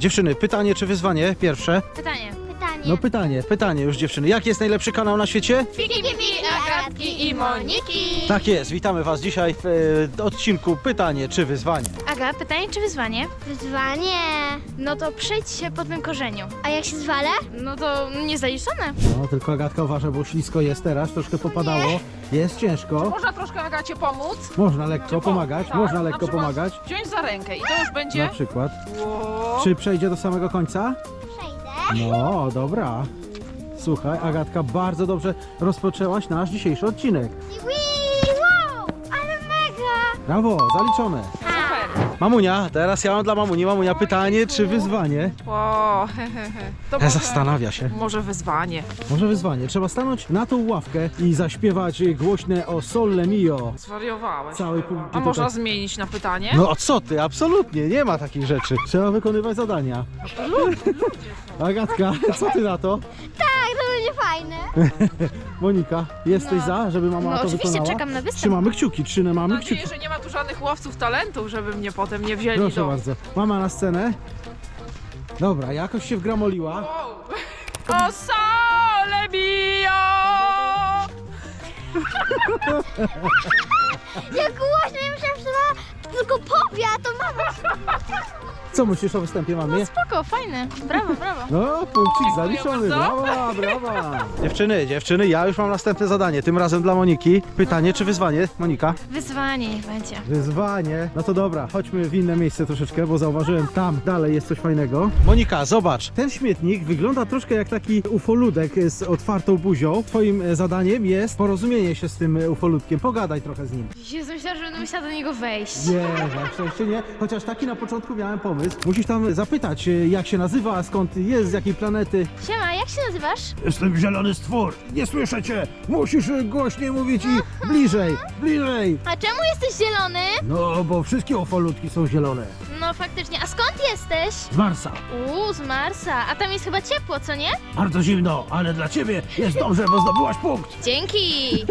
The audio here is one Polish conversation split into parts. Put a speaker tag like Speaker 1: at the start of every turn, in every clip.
Speaker 1: Dziewczyny, pytanie czy wyzwanie? Pierwsze.
Speaker 2: Pytanie.
Speaker 1: No pytanie już dziewczyny. Jaki jest najlepszy kanał na świecie?
Speaker 2: Fiki, Agatki i Moniki.
Speaker 1: Tak jest, witamy was dzisiaj w odcinku pytanie czy wyzwanie.
Speaker 2: Aga, pytanie czy wyzwanie?
Speaker 3: Wyzwanie.
Speaker 2: No to przejdź się po tym korzeniu.
Speaker 3: A jak się zwalę?
Speaker 2: No to niezaliczone.
Speaker 1: No tylko Agatka uważa, bo ślisko jest teraz, troszkę popadało, jest ciężko.
Speaker 4: Można troszkę Agacie pomóc?
Speaker 1: Można lekko pomagać,
Speaker 4: Tak,
Speaker 1: można
Speaker 4: na
Speaker 1: lekko
Speaker 4: przykład
Speaker 1: pomagać.
Speaker 4: Wziąć za rękę i to już
Speaker 1: Na
Speaker 4: będzie...
Speaker 1: przykład.
Speaker 4: Ło.
Speaker 1: Czy przejdzie do samego końca?
Speaker 3: Przejdę.
Speaker 1: No, dobra. Słuchaj, Agatka, bardzo dobrze rozpoczęłaś nasz dzisiejszy odcinek.
Speaker 3: Wow, ale mega.
Speaker 1: Brawo, zaliczone.
Speaker 4: Super.
Speaker 1: Mamunia, teraz ja mam dla mamuni. Mamunia, pytanie czy wyzwanie?
Speaker 4: Ło, To
Speaker 1: Zastanawia się.
Speaker 4: może wyzwanie.
Speaker 1: Może wyzwanie. Trzeba stanąć na tą ławkę i zaśpiewać głośne o Sole Mio.
Speaker 4: Zwariowałeś.
Speaker 1: Całej publiki
Speaker 4: A można
Speaker 1: tutaj.
Speaker 4: zmienić na pytanie?
Speaker 1: No co ty, absolutnie, nie ma takich rzeczy. Trzeba wykonywać zadania. Agatka, co ty na to?
Speaker 3: Tak, to będzie fajne.
Speaker 1: Monika, jesteś za, żeby mama
Speaker 2: No
Speaker 1: to
Speaker 2: oczywiście,
Speaker 1: wykonała?
Speaker 2: czekam na występ.
Speaker 1: Trzymamy kciuki, trzymamy
Speaker 4: Mam
Speaker 1: kciuki.
Speaker 4: nadzieję, że nie ma tu żadnych łowców talentów, żeby mnie potem nie wzięli
Speaker 1: Proszę
Speaker 4: do...
Speaker 1: bardzo. Mama na scenę. Dobra, jakoś się wgramoliła.
Speaker 4: Wow. O sole mio!
Speaker 3: Jak głośno, ja myślałam, że to tylko powie, a to mama.
Speaker 1: Co myślisz o występie mamy?
Speaker 2: Spoko, fajne. Brawo, brawo.
Speaker 1: No, punkcik zaliczony,
Speaker 4: bardzo.
Speaker 1: brawa, brawa. Dziewczyny, ja już mam następne zadanie, tym razem dla Moniki. Pytanie czy wyzwanie, Monika?
Speaker 2: Wyzwanie niech będzie.
Speaker 1: Wyzwanie. No to dobra, chodźmy w inne miejsce troszeczkę, bo zauważyłem, tam dalej jest coś fajnego. Monika, zobacz, ten śmietnik wygląda troszkę jak taki ufoludek z otwartą buzią. Twoim zadaniem jest porozumienie się z tym ufoludkiem, pogadaj trochę z nim.
Speaker 2: Jezu, myślałam, że będę musiała do niego wejść.
Speaker 1: Nie, na szczęście nie, chociaż taki na początku miałem pomysł. Musisz tam zapytać, jak się nazywa, skąd jest, z jakiej planety.
Speaker 2: Siema, jak się nazywasz?
Speaker 1: Jestem zielony stwór, nie słyszę cię, musisz głośniej mówić i bliżej.
Speaker 2: A czemu jesteś zielony?
Speaker 1: No, bo wszystkie ufolutki są zielone.
Speaker 2: No faktycznie, a skąd jesteś?
Speaker 1: Z Marsa.
Speaker 2: Z Marsa, a tam jest chyba ciepło, co nie?
Speaker 1: Bardzo zimno, ale dla ciebie jest dobrze, bo zdobyłaś punkt.
Speaker 2: Dzięki!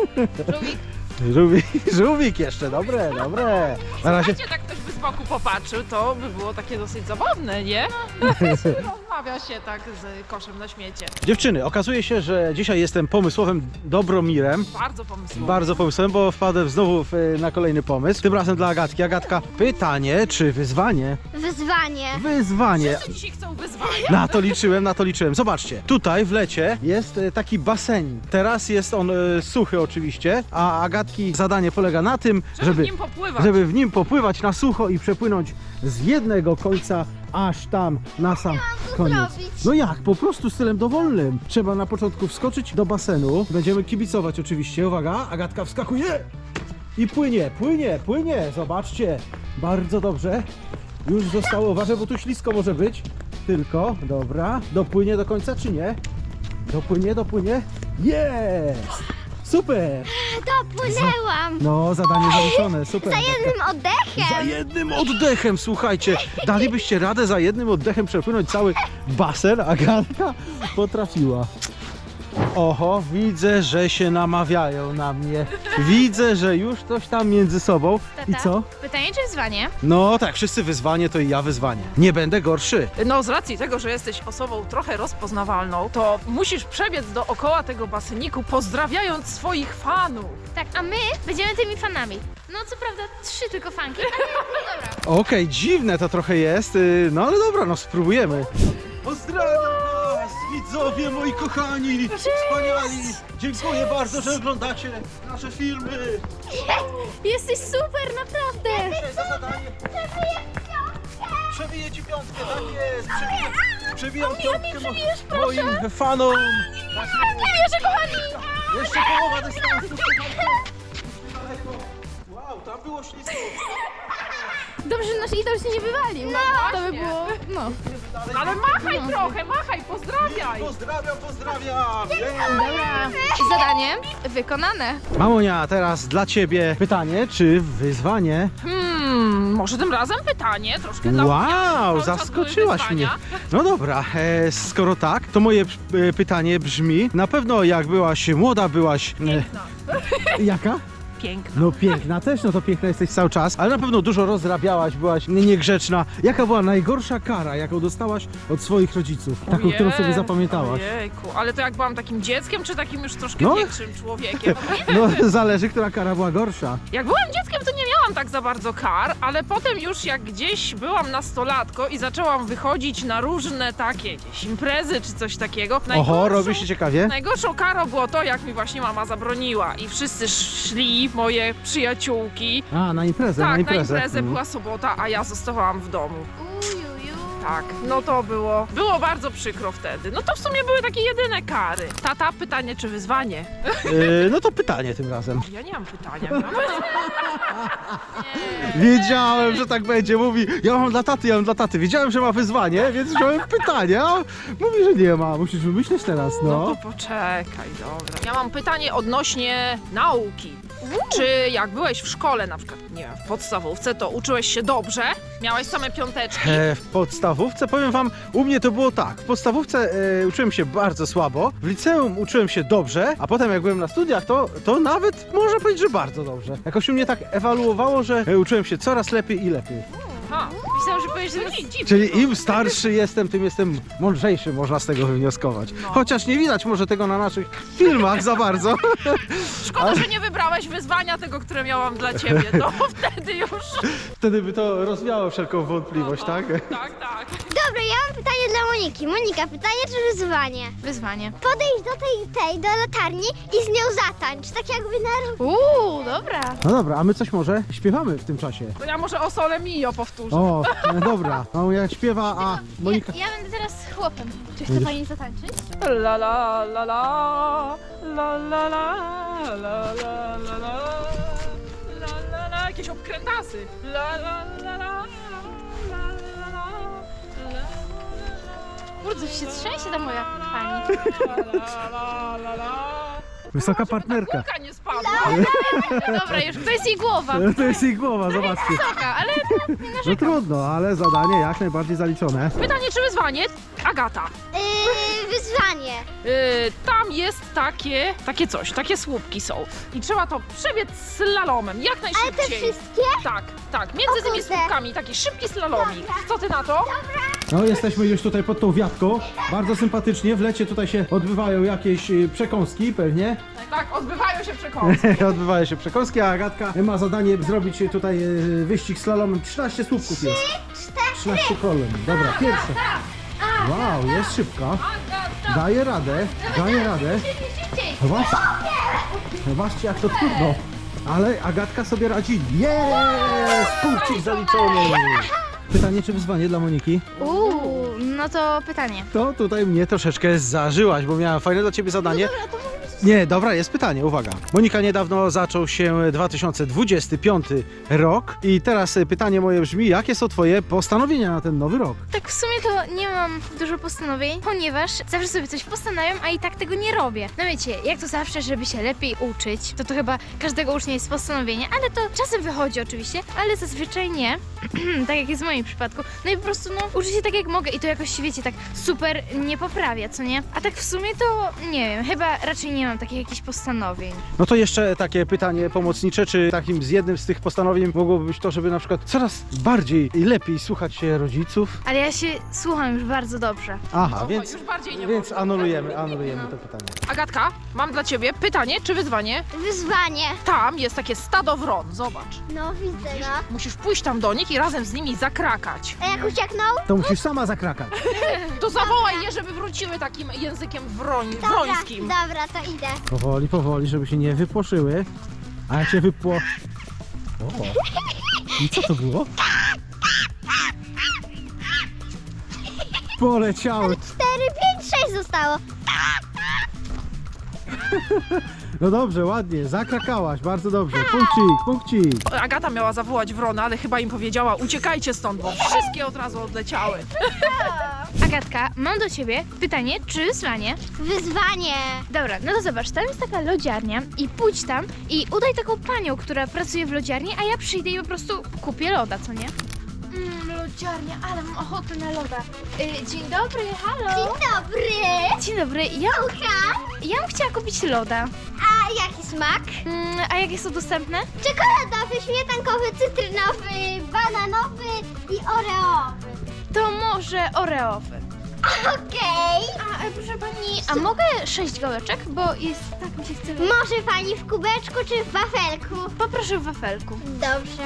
Speaker 1: Żółwik jeszcze, dobre. Na razie
Speaker 4: Słuchajcie, tak ktoś by z boku popatrzył, to by było takie dosyć zabawne, nie? Rozmawia się tak z koszem na śmiecie.
Speaker 1: dziewczyny, okazuje się, że dzisiaj jestem pomysłowym Dobromirem.
Speaker 4: Bardzo pomysłowo.
Speaker 1: Bardzo pomysłowym, bo wpadłem znowu na kolejny pomysł. Tym razem dla Agatki. Agatka, pytanie czy wyzwanie?
Speaker 3: Wyzwanie.
Speaker 1: Wyzwanie.
Speaker 4: Wszyscy dzisiaj chcą wyzwania.
Speaker 1: Na to liczyłem. Zobaczcie, tutaj w lecie jest taki basenik. Teraz jest on suchy oczywiście, a Agatki zadanie polega na tym,
Speaker 4: Żeby w nim popływać.
Speaker 1: żeby w nim popływać na sucho i przepłynąć z jednego końca aż tam na sam koniec.
Speaker 3: zrobić?
Speaker 1: No jak? Po prostu stylem dowolnym. Trzeba na początku wskoczyć do basenu. Będziemy kibicować oczywiście. Uwaga, Agatka wskakuje i płynie. Zobaczcie. Bardzo dobrze. Już zostało. Uważaj, bo tu ślisko może być. Tylko, dobra. Dopłynie do końca czy nie? Dopłynie. Jest! Super!
Speaker 3: Dopłynęłam.
Speaker 1: No, zadanie zaliczone. Super.
Speaker 3: Za
Speaker 1: Agatka.
Speaker 3: jednym oddechem.
Speaker 1: Za jednym oddechem, słuchajcie, dalibyście radę za jednym oddechem przepłynąć cały basen? Agatka potrafiła. Oho, widzę, że się namawiają na mnie. Widzę, że już coś tam między sobą. I co?
Speaker 2: Pytanie czy wyzwanie?
Speaker 1: No tak, wszyscy wyzwanie, to i ja wyzwanie. Nie będę gorszy.
Speaker 4: No z racji tego, że jesteś osobą trochę rozpoznawalną, to musisz przebiec dookoła tego baseniku, pozdrawiając swoich fanów.
Speaker 2: Tak, a my będziemy tymi fanami. No co prawda 3 tylko fanki, ale no dobra.
Speaker 1: Okej, dziwne to trochę jest, no ale dobra, no spróbujemy. Pozdrawiam was, widzowie moi kochani, wspaniali. Dziękuję bardzo, że oglądacie nasze filmy.
Speaker 2: Jesteś super, naprawdę!
Speaker 1: Za zadanie. Przebiję ci piątkę, tak jest. Przebijam piątkę moim fanom.
Speaker 2: Nie wierzę, kochani!
Speaker 1: Jeszcze połowa dystansu. Wow, tam było ślisko.
Speaker 2: Dobrze, że nasz idol się nie wywalił. No, to by było, no.
Speaker 4: Ale machaj trochę, pozdrawiaj.
Speaker 1: Pozdrawiam.
Speaker 2: Dobra, zadanie wykonane.
Speaker 1: Mamonia, teraz dla ciebie pytanie, czy wyzwanie?
Speaker 4: Może tym razem pytanie, troszkę dla mnie.
Speaker 1: Wow,
Speaker 4: Cały czas
Speaker 1: zaskoczyłaś
Speaker 4: były
Speaker 1: mnie.
Speaker 4: wyzwania.
Speaker 1: No dobra, skoro tak, to moje pytanie brzmi, na pewno jak byłaś młoda, byłaś...
Speaker 4: Piękna.
Speaker 1: Jaka?
Speaker 4: piękna.
Speaker 1: No piękna też, no to piękna jesteś cały czas, ale na pewno dużo rozrabiałaś, byłaś niegrzeczna. Jaka była najgorsza kara, jaką dostałaś od swoich rodziców? Taką, którą sobie zapamiętałaś?
Speaker 4: Ojejku, ale to jak byłam takim dzieckiem, czy takim już troszkę
Speaker 1: No.
Speaker 4: większym człowiekiem?
Speaker 1: No zależy, która kara była gorsza.
Speaker 4: Jak byłam dzieckiem, to nie miałam tak za bardzo kar, ale potem już jak gdzieś byłam nastolatką i zaczęłam wychodzić na różne takie gdzieś imprezy czy coś takiego.
Speaker 1: Oho, robi się ciekawie.
Speaker 4: Najgorszą karą było to, jak mi właśnie mama zabroniła i wszyscy szli, moje przyjaciółki.
Speaker 1: A, na imprezę,
Speaker 4: Tak,
Speaker 1: na imprezę.
Speaker 4: była sobota, a ja zostałam w domu.
Speaker 2: Ujuju.
Speaker 4: Tak, no to było bardzo przykro wtedy. No to w sumie były takie jedyne kary. Tata, pytanie czy wyzwanie?
Speaker 1: No to pytanie tym razem.
Speaker 4: Ja nie mam pytania.
Speaker 1: Wiedziałem, że tak będzie. Mówi, ja mam dla taty. Wiedziałem, że ma wyzwanie, więc wziąłem pytanie. A mówi, że nie ma. Musisz wymyślić teraz,
Speaker 4: No
Speaker 1: no.
Speaker 4: to poczekaj, dobra. Ja mam pytanie odnośnie nauki. Czy jak byłeś w szkole, na przykład, nie wiem, w podstawówce, to uczyłeś się dobrze? Miałeś same piąteczki?
Speaker 1: W podstawówce, powiem wam, u mnie to było tak. W podstawówce uczyłem się bardzo słabo, w liceum uczyłem się dobrze, a potem jak byłem na studiach, to nawet można powiedzieć, że bardzo dobrze. Jakoś u mnie tak ewaluowało, że uczyłem się coraz lepiej i lepiej.
Speaker 4: Aha,
Speaker 2: Myślałam, że powiesz, że
Speaker 4: to nie dziwne.
Speaker 1: Czyli im starszy jestem, tym jestem mądrzejszy, można z tego wywnioskować.
Speaker 4: No.
Speaker 1: Chociaż nie widać może tego na naszych filmach za bardzo.
Speaker 4: Szkoda, że nie wybrałeś wyzwania tego, które miałam dla ciebie. To wtedy już...
Speaker 1: Wtedy by to rozwiało wszelką wątpliwość, tak?
Speaker 4: Tak, tak.
Speaker 3: Dobra, ja mam pytanie dla Moniki. Monika, pytanie czy wyzwanie?
Speaker 2: wyzwanie.
Speaker 3: Podejdź do do latarni i z nią zatańcz, tak jakby na...
Speaker 2: Dobra.
Speaker 1: No dobra, a my coś może śpiewamy w tym czasie.
Speaker 4: To ja może o Sole Mio powtórzę.
Speaker 1: O, dobra. Mamunia śpiewa, a Monika...
Speaker 2: Ja będę teraz chłopem. Czy chce pani zatańczyć?
Speaker 4: La la la la la la la la la la la la la la, jakieś obkrętasy. La la la la la la la.
Speaker 2: Kurde, się trzęsie ta moja pani.
Speaker 1: Wysoka partnerka.
Speaker 4: Kulka nie spadła.
Speaker 2: Dobra, już to jest jej głowa.
Speaker 1: To jest jej głowa, zobaczcie.
Speaker 2: Wysoka, ale
Speaker 1: No trudno, ale zadanie jak najbardziej zaliczone.
Speaker 4: Pytanie czy wyzwanie? Agata.
Speaker 3: Wyzwanie.
Speaker 4: Tam jest takie słupki są. I trzeba to przebiec slalomem, jak
Speaker 3: Ale te
Speaker 4: najszybciej.
Speaker 3: wszystkie?
Speaker 4: Tak, między
Speaker 3: O
Speaker 4: tymi
Speaker 3: kurde.
Speaker 4: słupkami, taki szybki slalomik. Co ty na to?
Speaker 1: No jesteśmy już tutaj pod tą wiatką. Bardzo sympatycznie. W lecie tutaj się odbywają jakieś przekąski pewnie.
Speaker 4: Tak, odbywają się przekąski.
Speaker 1: Odbywają się przekąski, a Agatka ma zadanie zrobić tutaj wyścig slalomem. 13 słupków jest. 13 kolumn. Dobra, pierwsze. Wow, jest szybka. Daje radę, daje radę. Zobaczcie, zobaczcie jak to trudno. Ale Agatka sobie radzi. Jest! Punkcik zaliczony. Pytanie czy wyzwanie dla Moniki?
Speaker 2: no to pytanie.
Speaker 1: To tutaj mnie troszeczkę zażyłaś, bo miałem fajne dla ciebie zadanie. Nie, dobra, jest pytanie, uwaga. Monika, niedawno zaczął się 2025 rok i teraz pytanie moje brzmi, jakie są twoje postanowienia na ten nowy rok?
Speaker 2: Tak w sumie to nie mam dużo postanowień, ponieważ zawsze sobie coś postanawiam, a i tak tego nie robię. No wiecie, jak to zawsze, żeby się lepiej uczyć, to chyba każdego ucznia jest postanowienie, ale to czasem wychodzi oczywiście, ale zazwyczaj nie, tak jak jest w moim przypadku. No i po prostu uczę się tak jak mogę i to jakoś, wiecie, tak super nie poprawia, co nie? A tak w sumie to nie wiem, chyba raczej nie mam takich jakichś postanowień.
Speaker 1: No to jeszcze takie pytanie pomocnicze, czy takim z jednym z tych postanowień mogłoby być to, żeby na przykład coraz bardziej i lepiej słuchać się rodziców?
Speaker 2: Ale ja się słucham już bardzo dobrze.
Speaker 1: Aha,
Speaker 4: Oho,
Speaker 1: więc
Speaker 4: już bardziej nie
Speaker 1: więc
Speaker 4: można.
Speaker 1: anulujemy to pytanie.
Speaker 4: Agatka, mam dla ciebie pytanie czy wyzwanie?
Speaker 3: Wyzwanie.
Speaker 4: Tam jest takie stado wron, zobacz.
Speaker 3: No, widzę, no.
Speaker 4: Musisz pójść tam do nich i razem z nimi zakrakać.
Speaker 3: A jak ucieknął?
Speaker 1: To musisz sama zakrakać.
Speaker 4: To zawołaj je, żeby wróciły takim językiem wrońskim.
Speaker 3: Dobra, to idę.
Speaker 1: Powoli, powoli, żeby się nie wypłoszyły. A jak się O. I co to było? Poleciały.
Speaker 3: 4, 5, 6 zostało.
Speaker 1: No dobrze, ładnie, zakrakałaś, bardzo dobrze. Punkcik, punkcik.
Speaker 4: Agata miała zawołać wrona, ale chyba im powiedziała uciekajcie stąd, bo wszystkie od razu odleciały.
Speaker 2: Agatka, mam do ciebie pytanie czy wyzwanie?
Speaker 3: Wyzwanie.
Speaker 2: Dobra, no to zobacz, tam jest taka lodziarnia i pójdź tam i udaj taką panią, która pracuje w lodziarni, a ja przyjdę i po prostu kupię loda, co nie? Lodziarnia, ale mam ochotę na loda. Dzień dobry, halo.
Speaker 3: Dzień dobry.
Speaker 2: Dzień dobry, ja bym chciała kupić loda.
Speaker 3: A A jaki smak?
Speaker 2: A jakie są dostępne?
Speaker 3: Czekoladowy, śmietankowy, cytrynowy, bananowy i oreowy.
Speaker 2: To może oreowy.
Speaker 3: Okej.
Speaker 2: A proszę pani, a mogę 6 gałeczek? Bo jest, tak mi się chce.
Speaker 3: Może pani w kubeczku czy w wafelku?
Speaker 2: Poproszę w wafelku.
Speaker 3: Dobrze.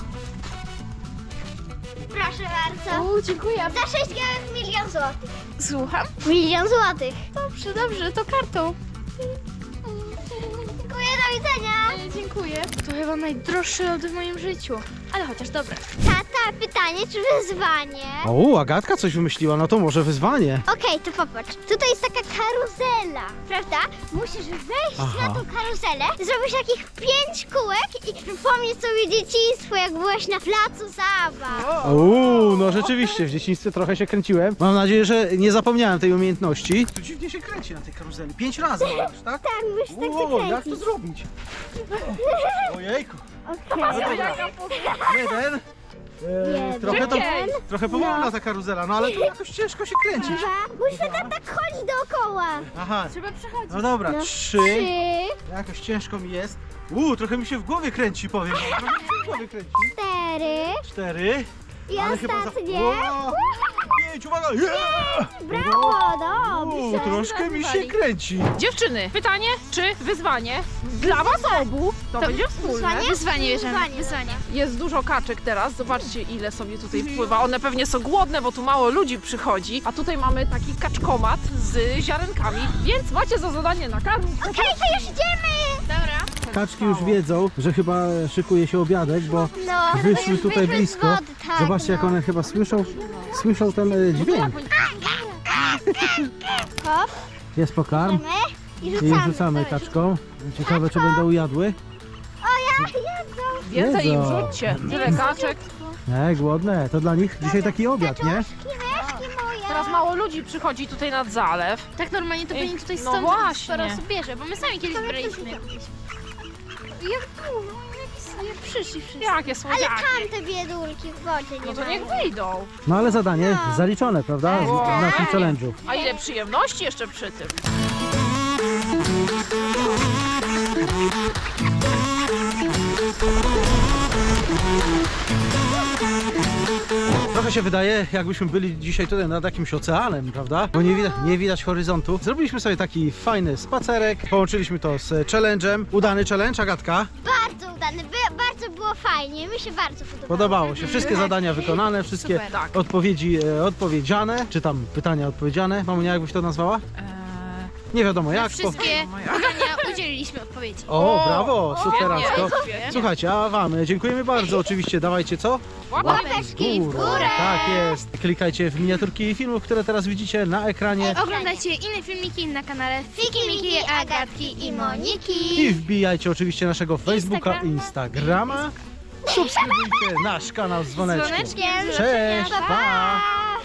Speaker 3: Proszę bardzo.
Speaker 2: Dziękuję.
Speaker 3: Za 6 gałek 1 000 000 złotych.
Speaker 2: Słucham?
Speaker 3: 1 000 000 złotych.
Speaker 2: Dobrze, to kartą.
Speaker 3: Dziękuję, do widzenia.
Speaker 2: Dziękuję. To chyba najdroższy lody w moim życiu. Ale chociaż dobre.
Speaker 3: Tata, pytanie czy wyzwanie?
Speaker 1: O, Agatka coś wymyśliła, no to może wyzwanie.
Speaker 3: Okej, to popatrz. Tutaj jest taka karuzela, prawda? Musisz wejść
Speaker 1: Aha.
Speaker 3: na tą karuzelę, zrobisz takich 5 kółek i przypomnieć sobie dzieciństwo, jak byłeś na placu zabaw.
Speaker 1: Uuu, no rzeczywiście, w dzieciństwie trochę się kręciłem. Mam nadzieję, że nie zapomniałem tej umiejętności. To dziwnie się kręci na tej karuzeli. 5 razy możesz, tak?
Speaker 3: Tak, musisz tak
Speaker 1: Wow, jak to
Speaker 3: zakręcić.
Speaker 1: zrobić? Ojejku.
Speaker 3: Okej.
Speaker 1: Jeden.
Speaker 3: Jeden.
Speaker 1: Trochę powolna ta karuzela, no ale tu jakoś ciężko się kręcić.
Speaker 3: Dwa. Musisz tak chodzić dookoła.
Speaker 1: Aha,
Speaker 2: Trzeba przechodzić.
Speaker 1: no dobra,
Speaker 3: No,
Speaker 1: 3.
Speaker 3: 3.
Speaker 1: Jakoś ciężko mi jest. Trochę mi się w głowie kręci, powiem. Trochę mi się w głowie kręci.
Speaker 3: 4.
Speaker 1: 4.
Speaker 3: I ostatnie.
Speaker 1: Wow. 5, uwaga! Yeah!
Speaker 3: Brawo, dobrze.
Speaker 1: Troszkę mi się kręci.
Speaker 4: Dziewczyny, pytanie czy wyzwanie dla was obu to będzie wspólne.
Speaker 2: Wyzwanie bierzemy.
Speaker 3: Wyzwanie,
Speaker 2: Wyzwanie.
Speaker 4: Jest dużo kaczek teraz, zobaczcie ile sobie tutaj wpływa. One pewnie są głodne, bo tu mało ludzi przychodzi. A tutaj mamy taki kaczkomat z ziarenkami, więc macie za zadanie nakarmić.
Speaker 3: Okej, to już idziemy.
Speaker 2: Dobra.
Speaker 1: Kaczki już wiedzą, że chyba szykuje się obiadek, bo
Speaker 3: No,
Speaker 1: wyszły
Speaker 3: już
Speaker 1: tutaj
Speaker 3: wyszły z
Speaker 1: blisko.
Speaker 3: wody, tak,
Speaker 1: Zobaczcie, jak
Speaker 3: no.
Speaker 1: one chyba słyszą ten dźwięk.
Speaker 3: Hop,
Speaker 1: Jest pokarm
Speaker 3: idziemy i
Speaker 1: i
Speaker 3: rzucamy.
Speaker 1: rzucamy kaczką. Ciekawe, czy będą jadły.
Speaker 3: O, jak jedzą.
Speaker 4: Więcej im
Speaker 1: Jedzą.
Speaker 4: rzućcie, tyle kaczek.
Speaker 1: Głodne. To dla nich dzisiaj taki obiad, nie?
Speaker 3: Myszki moje.
Speaker 4: Teraz mało ludzi przychodzi tutaj nad zalew.
Speaker 2: Tak normalnie to powinien tutaj
Speaker 4: No
Speaker 2: stąd
Speaker 4: właśnie.
Speaker 2: sporo osób bierze, bo my sami kiedyś braliśmy. Jak dużo, jak przyszli wszyscy.
Speaker 4: Jakie
Speaker 3: Ale
Speaker 4: słodziaki.
Speaker 3: tam te biedulki w wodzie nie
Speaker 4: No to
Speaker 3: mają.
Speaker 4: niech wyjdą.
Speaker 1: No ale zadanie
Speaker 3: No.
Speaker 1: zaliczone, prawda? W naszym challenge'u.
Speaker 4: A ile przyjemności jeszcze przy tym.
Speaker 1: Trochę się wydaje, jakbyśmy byli dzisiaj tutaj nad jakimś oceanem, prawda? Bo nie widać horyzontu. Zrobiliśmy sobie taki fajny spacerek, połączyliśmy to z challenge'em. Udany challenge, Agatka?
Speaker 3: Bardzo udany, bardzo było fajnie, mi się bardzo podobało.
Speaker 1: Podobało się. Wszystkie zadania wykonane, wszystkie
Speaker 2: Super.
Speaker 4: Tak.
Speaker 1: odpowiedzi odpowiedziane, czy tam pytania odpowiedziane. Mamunia, jakbyś to nazwała? Nie wiadomo jak.
Speaker 2: Wszystkie pytania udzieliliśmy odpowiedzi.
Speaker 1: O, brawo, superancko.
Speaker 4: Świetnie.
Speaker 1: Słuchajcie, a wam dziękujemy bardzo. Oczywiście dawajcie co?
Speaker 3: Łapeczki w górę.
Speaker 1: Tak jest. Klikajcie w miniaturki filmów, które teraz widzicie na ekranie.
Speaker 2: Oglądajcie inne filmiki na kanale
Speaker 3: Fiki, Miki, Agatki i Moniki.
Speaker 1: I wbijajcie oczywiście naszego Facebooka, Instagrama. Subskrybujcie nasz kanał z dzwoneczkiem.
Speaker 2: Dzwoneczkiem.
Speaker 1: Cześć, pa!
Speaker 3: Pa!